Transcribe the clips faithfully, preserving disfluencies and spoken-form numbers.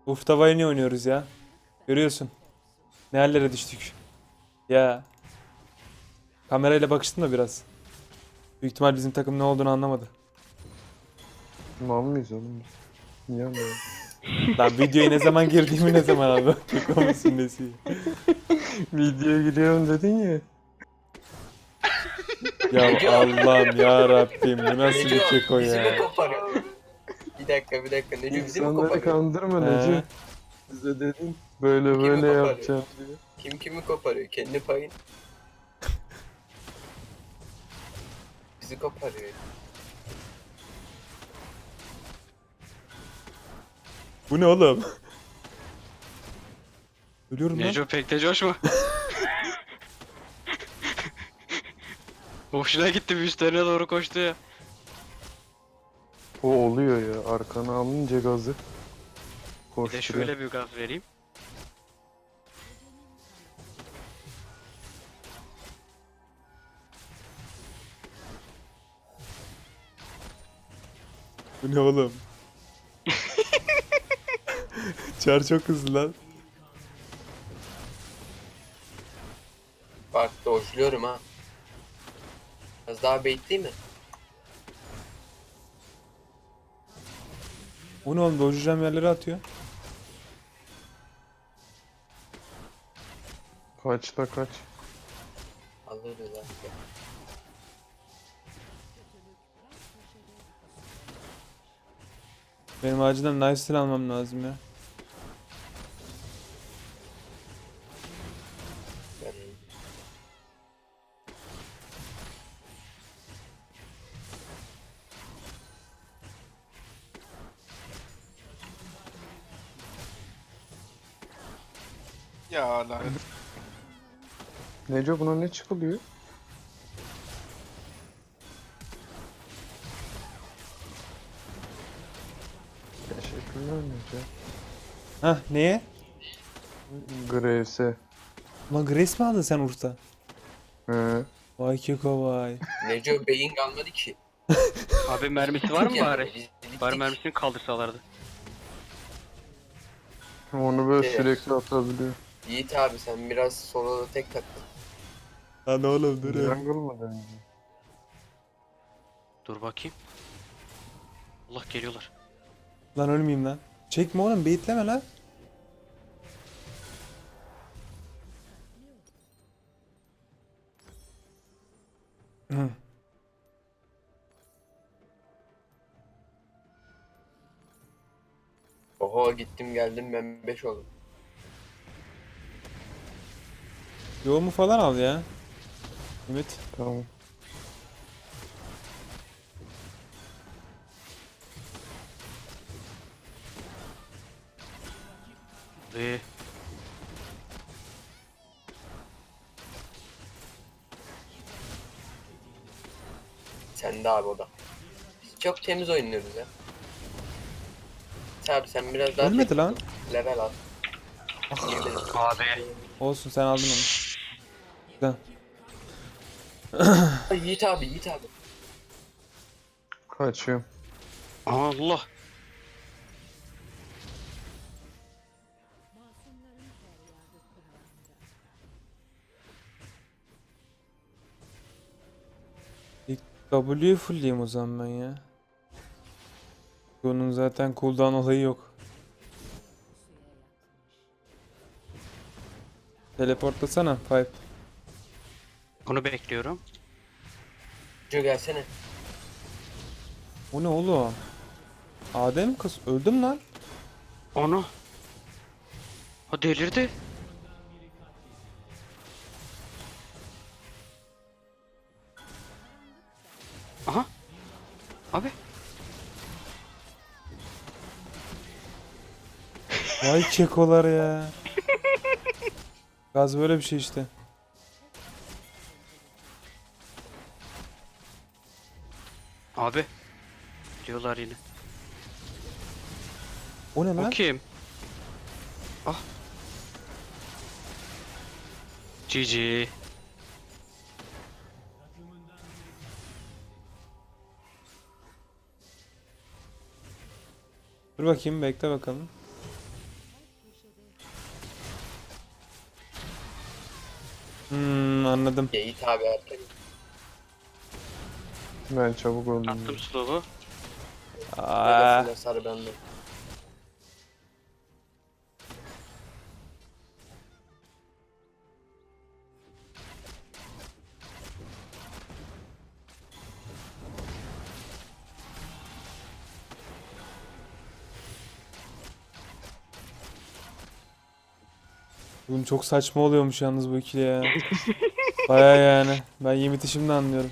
Ufta Vayne oynuyoruz ya. Görüyorsun. Ne hallere düştük. Ya. Kamerayla bakıştım da biraz. Büyük ihtimal bizim takım ne olduğunu anlamadı. Mal mıyız oğlum biz? Niye anlıyorsun? Lan videoya ne zaman girdiğimi ne zaman anladım. Keko musun nesi? Videoya giriyorum dedin ya. Ya Neco, Allah'ım ya Rabbim bu nasıl Neco bir keko bizi mi ya? koparıyor? Bir dakika bir dakika Neco bizi mi İnsanları koparıyor? kandırma He. Neci. Bize dedin. Böyle Kimi böyle koparıyor? yapacağım diye. Kim kimi koparıyor? Kendi payın. Bizi koparıyor. Bu ne oğlum? Ölüyorum lan. Neco pek de coşma. Hoşuna gitti bir üstlerine doğru koştu ya. O oluyor ya. Arkana alınca gazı. Bir de Koşturuyor. şöyle bir gaz vereyim. Bu ne oğlum? Çar çok hızlı lan. Bak dojluyorum ha. Biraz daha bait mi? Bu ne oğlum? Dojuracağım yerlere atıyor. Kaç da kaç. Alırız artık. Benim acilen lifesteal almam lazım ya. Ben... Ya lanet. Neco buna ne çıkılıyor? Teşekkürler Neco. Hah neye? Graves'e. Ulan Grace mi aldın sen Urf'ta? He. Vay keko vay. Neco beyin kalmadı ki. Abi mermisi var mı Yani bari? biz bittik. Bari mermisini kaldırsalardı. Onu böyle Evet. sürekli atabiliyor. Yiğit abi sen biraz soloda tek taktın. Lan oğlum dur ya. Jungle mı dönüyor? Dur bakayım. Allah geliyorlar. Lan ölmeyeyim lan. Çekme oğlum beyitleme lan. Hı. Oho gittim geldim ben beş oldum. Yoğumu falan al ya. Ümit. Tamam. Ee, Sen de abi o da. Biz çok temiz oynuyoruz ya. Abi sen biraz daha Ölmedi tek lan. tut, level al. Girdi. abi. Olsun sen aldın onu. Güzel. Ay, Yiğit abi Yiğit abi. Kaçıyorum. Allah. İlk W'yu fullleyeyim o zaman ben ya. Bunun zaten cooldown olayı yok. Teleportlasana Pipe. Bunu bekliyorum. Neco gelsene. O ne oğlum? Adem kız öldüm lan. Onu. Ha delirdi. Aha. Abi. Vay kekolar ya. Gaz böyle bir şey işte. Abi. Diyorlar yine. O ne O lan? kim? Ah. G G. Dur bakayım bekle bakalım. anladım. Geyit abi erken. Ben çabuk öldüm. Attım slow'u. Aa, Neresinde sarı bende. bugün çok saçma oluyormuş yalnız bu ikili ya. Baya yani. Ben Yiğit'i şimdi anlıyorum.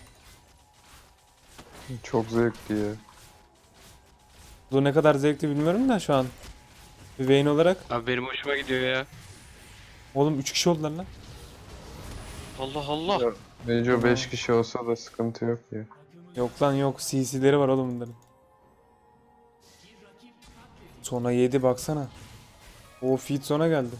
Çok zevkli ya. Bu ne kadar zevkli bilmiyorum da şu an. Bir Vayne olarak. Abi benim hoşuma gidiyor ya. Oğlum üç kişi oldular lan. Allah Allah. Ya, Neco beş kişi olsa da sıkıntı yok ya. Yok lan yok. C C'leri var oğlum bunların. Sona yedi baksana. O feed sona geldi.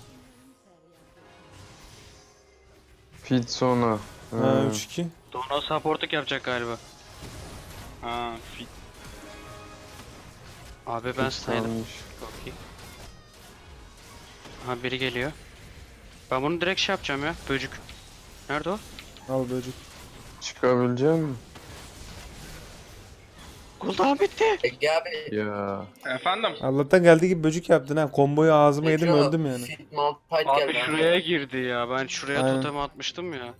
Feed sona. Ha Ha. üç iki. Donal supportluk yapacak galiba. Ha fit. Abi ben Feed saydım. kalmış. Çok iyi. Aha biri geliyor. Ben bunu direkt şey yapacağım ya. Böcük. Nerede o? Al böcek. Çıkabilecek misin? Cooldown bitti. Ege abi. Ya. Efendim? Allah'tan geldi gibi böcek yaptın ha. Komboyu ağzıma yedim Neco, öldüm yani. Fit Malphite Abi geldi. şuraya girdi ya. Ben şuraya Aynen. totem atmıştım ya.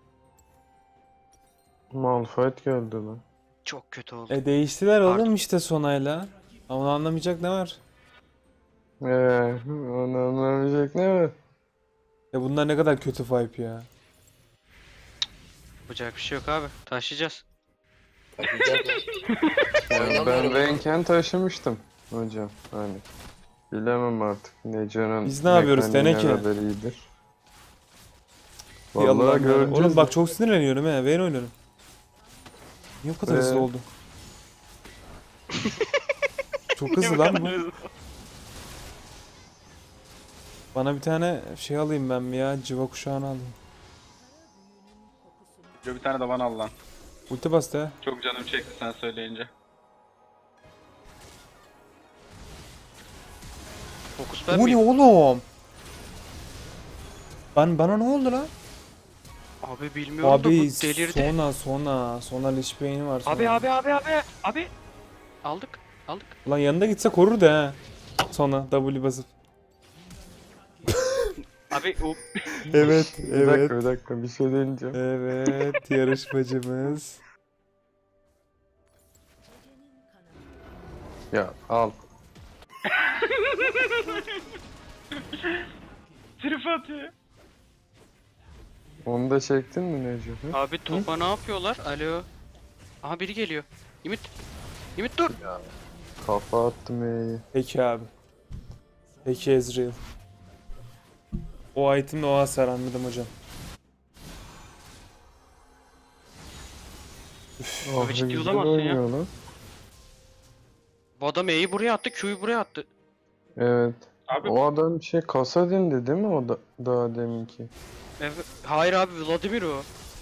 Malphite geldi lan. Çok kötü oldu. E değiştiler oğlum Pardon. işte sonayla. Ama anlamayacak ne var? Eee onu anlamayacak ne var? Ya bunlar ne kadar kötü vibe ya. Yapacak bir şey yok abi. Taşıyacağız. Bakacağız lan. Yani Oynamıyorum ben ama. Renken taşımıştım hocam hani. Bilemem artık Neco'nun Biz ne yapıyoruz mekaniği ne teneke? kadar iyidir. Ey Vallahi Allah'ım ya. göreceğiz. Oğlum bak çok sinirleniyorum he. Vayne oynuyorum. Niye bu kadar hızlı Ee? oldu? Çok hızlı lan bu. Bana bir tane şey alayım ben bir ya. Civa kuşağını alayım. Bir tane de bana al lan. Ulti bastı ha. Çok canım çekti sen söyleyince. Fokus ben Bu ne miyim? oğlum? Ben bana ne oldu lan? Abi bilmiyorum da bu Abi delirdi. sona sona sona Lich Bane'i var sonra. Abi abi abi abi abi. Aldık. Aldık. Ulan yanında gitse korur da ha. Sona W basıp. Abi o Evet Bir dakika bir dakika bir şey deneyeceğim. Evet yarışmacımız. Ya al. Trip atıyor. Onu da çektin mi Neco? Hı? abi topa ne yapıyorlar? Alo. Aha biri geliyor. Ümit. Ümit dur. Kafa attım E'yi. Peki abi. Peki Ezreal. O itemle o hasar anladım hocam. Oh, ciddi güzel olamazsın ya. oynuyor lan. Bu adam E'yi buraya attı, Q'yu buraya attı. Evet. Abi O adam şey Kasadin'di değil mi o da daha deminki? Evet. Hayır abi Vladimir o.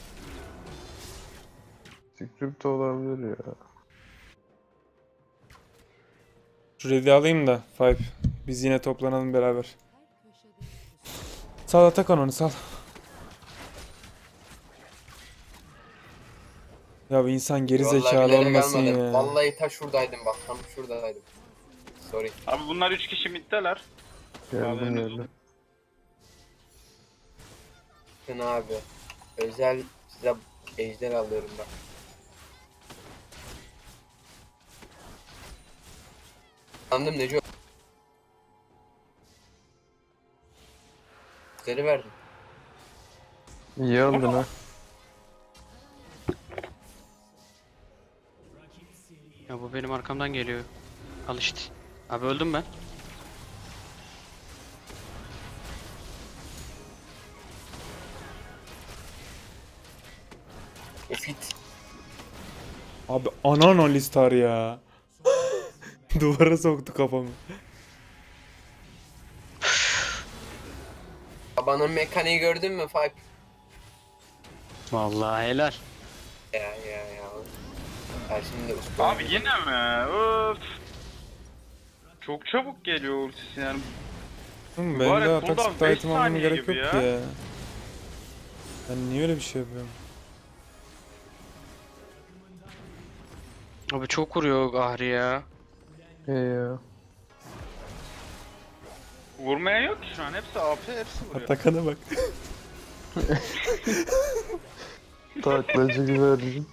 Script olabilir ya. Şu ready alayım da Five. Biz yine toplanalım beraber. Sal Atakan onu sal. Ya bir insan geri Vallahi zekalı bilerek olmasın almadım. ya. Vallahi ta şuradaydım bak. Tam şuradaydım. Sorry. abi bunlar üç kişi middeler. Geldim Bağlayın geldim. Bakın abi. Özel size ejder alıyorum bak. Anladım Neco. Ejderi verdim. İyi aldın ha. Ya bu benim arkamdan geliyor. Al işte. Abi öldüm ben. E fit. Abi anan Alistar ya. Duvara soktu kafamı. Babanın mekaniği gördün mü Five? Vallahi helal. Ya ya ya. Ya şimdi usta. Abi yine mi? Öf. Çok çabuk geliyor ultisi yani. Hı, Var benim ya, de atak cooldown speed beş item almama saniye gerek gibi yok ya. ya. Ben niye öyle bir şey yapıyorum? Abi çok vuruyor Ahri ya. Hey ya. Vurmaya yok ki şu an. Hepsi A P, hepsi vuruyor. Atakan'a bak. Taklacı güvercin.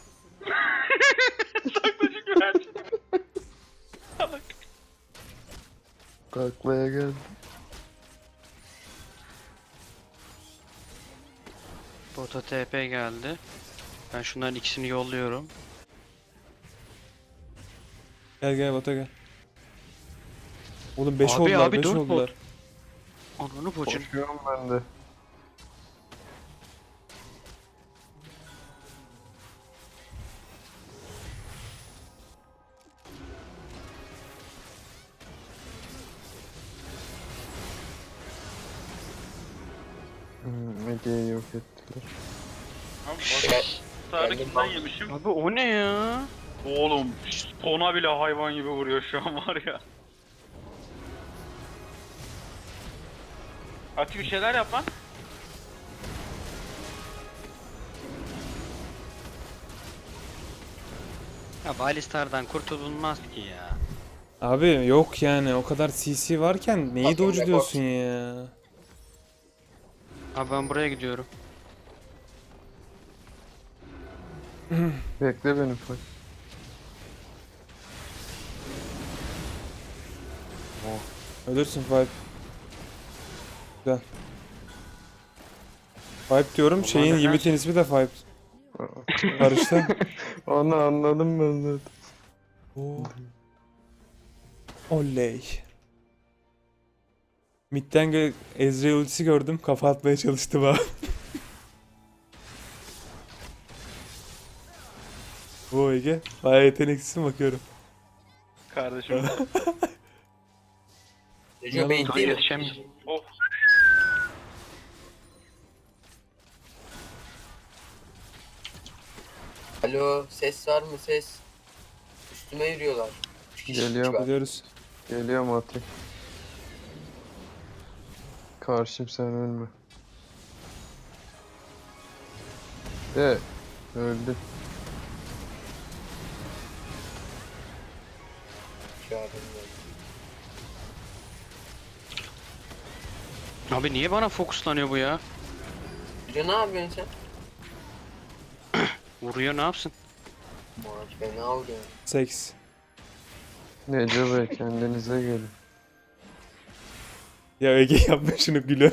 Taklacı güvercin. Salak. Taklaya geldi. Bota T P geldi. Ben şunların ikisini yolluyorum. Gel gel bota gel. Oğlum beş Abi, oldular, abi, beş dört oldular. Ananı bacın. Koşuyorum ben de. Hmm, Ege'yi yok ettiler. Abi Gel- bak. Sarı geldim kimden ben. yemişim? Abi o ne ya? Oğlum Tona bile hayvan gibi vuruyor şu an var ya. Ati bir şeyler yap lan. Ya Alistar'dan kurtulunmaz ki ya. Abi yok yani o kadar C C varken neyi Bakın doge rekor. diyorsun ya? Abi ben buraya gidiyorum. Bekle beni Fay. Ölürsün Five. Güzel. Five diyorum, şeyin neden- Yiğit'in ismi de Five. Karıştı. Onu anladım ben zaten. Oo. Oley. Mid'den gö- Ezreal ultisi gördüm, kafa atmaya çalıştı bana. Bu Ege, bayağı yeteneksizsin bakıyorum. Kardeşim. Neco Yalan. bekleyelim. Yetişemiyorum. Oh. Alo, ses var mı ses? Üstüme yürüyorlar. Üç kişi Geliyorum. var. Biliyoruz. Geliyorum Ati. Karşım sen ölme. De öldü. Şu an bilmiyorum. Abi niye bana fokuslanıyor bu ya? Neco ne yapıyorsun sen? Vuruyor ne yapsın? Maç fena vuruyor. Seks. Neco Bey kendinize gelin. Ya Ege yapma şunu gülü.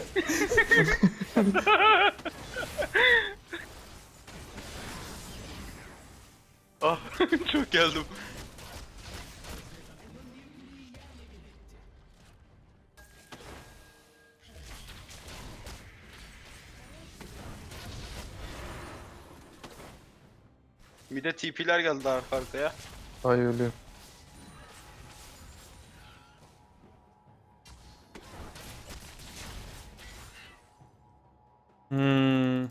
Ah çok geldim. Bir de T P'ler geldi arka arkaya. Ay ölüyorum. Hmm.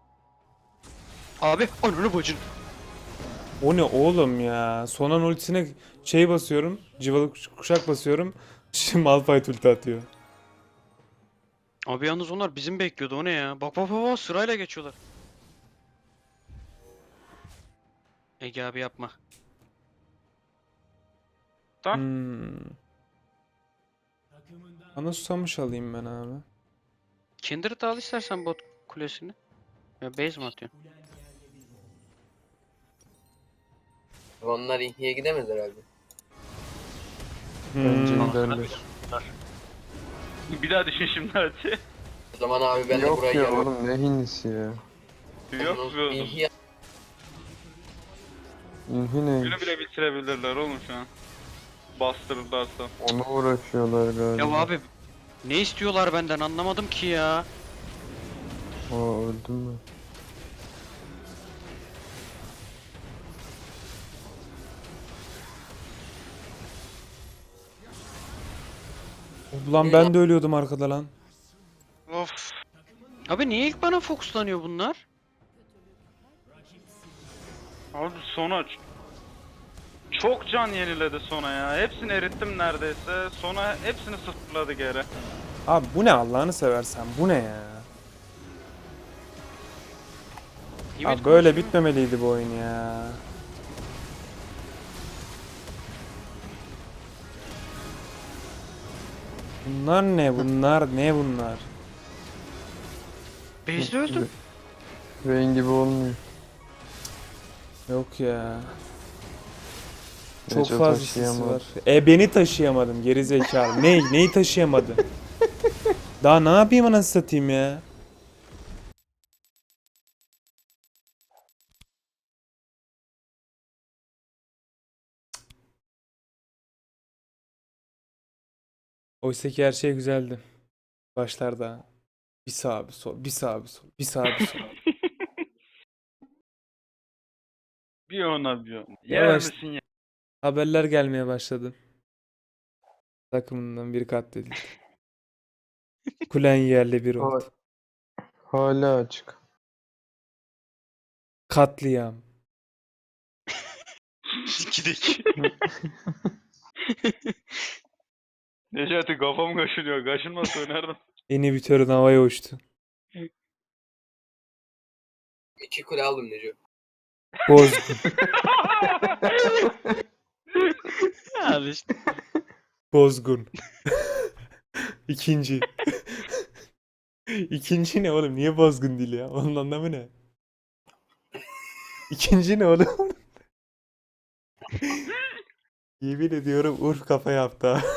Abi ananı bacın. O ne oğlum ya? Sonan ultisine şey basıyorum, civalı kuş- kuşak basıyorum. Şimdi Malphite ulti atıyor. Abi yalnız onlar bizim bekliyordu o ne ya? Bak bak bak bak sırayla geçiyorlar. Ege abi yapma. Lan. Hmm. Bana susamış alayım ben abi. Kindred al istersen bot kulesini. Ya base mi atıyorsun? Onlar ihniye gidemez herhalde. Bence Hmm. giderler. Bir daha düşün şimdi Ati. O zaman abi ben de Yok burayı ya yarıyorum. oğlum ne hinisi ya. Yok be oğlum. İhya İnhi neymiş? Günü bile bitirebilirler oğlum şu an. Bastırırlarsa. Ona uğraşıyorlar galiba. Ya abi ne istiyorlar benden anlamadım ki ya. Aa öldüm ben. Ulan ben de ölüyordum arkada lan. Of. Abi niye ilk bana fokuslanıyor bunlar? Abi sona ç- çok can yeniledi sona ya. Hepsini erittim neredeyse. Sona hepsini sıfırladı geri. Abi bu ne Allah'ını seversen bu ne ya? Ümit Abi böyle konuşuyor. bitmemeliydi bu oyun ya. Bunlar ne? Bunlar ne bunlar? Base'de öldüm. Vayne gibi olmuyor. Yok ya. Çok Neco fazla sisi taşıyamadı. var. E beni taşıyamadım geri zekalı. Ne? Neyi taşıyamadım? Daha ne yapayım anasını satayım ya? Oysa ki her şey güzeldi. Başlarda. Bir sağ bir sol, bir sağ bir sol, bir sağ bir sol. Bir ona bir ona. Yer Yavaş. misin ya? Haberler gelmeye başladı. Takımından biri katledildi. Kulen yerle bir oldu. Ha- Hala açık. Katliam. İkideki. Necati kafam kaşınıyor. Kaşınmasa oynardım. Inhibitörün havaya uçtu. İki kule aldım Neco. Bozgun. Al işte. Bozgun. İkinci. İkinci ne oğlum? Niye bozgun değil ya? Onun anlamı ne? İkinci ne oğlum? Yemin ediyorum Urf kafa yaptı ha.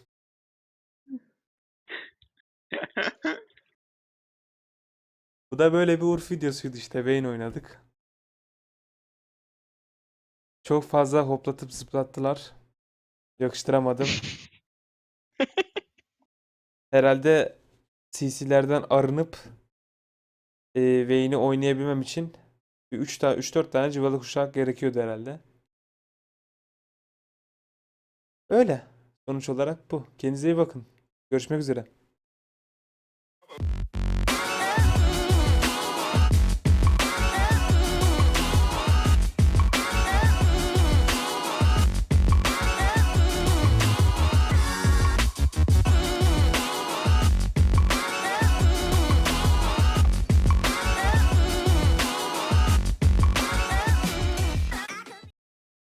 Bu da böyle bir Urf videosuydu işte. Vayne oynadık. Çok fazla hoplatıp zıplattılar. Yakıştıramadım. Herhalde C C'lerden arınıp e, Vayne'i oynayabilmem için üç tane üç dört tane cıvalı kuşak gerekiyordu herhalde. Öyle. Sonuç olarak bu. Kendinize iyi bakın. Görüşmek üzere.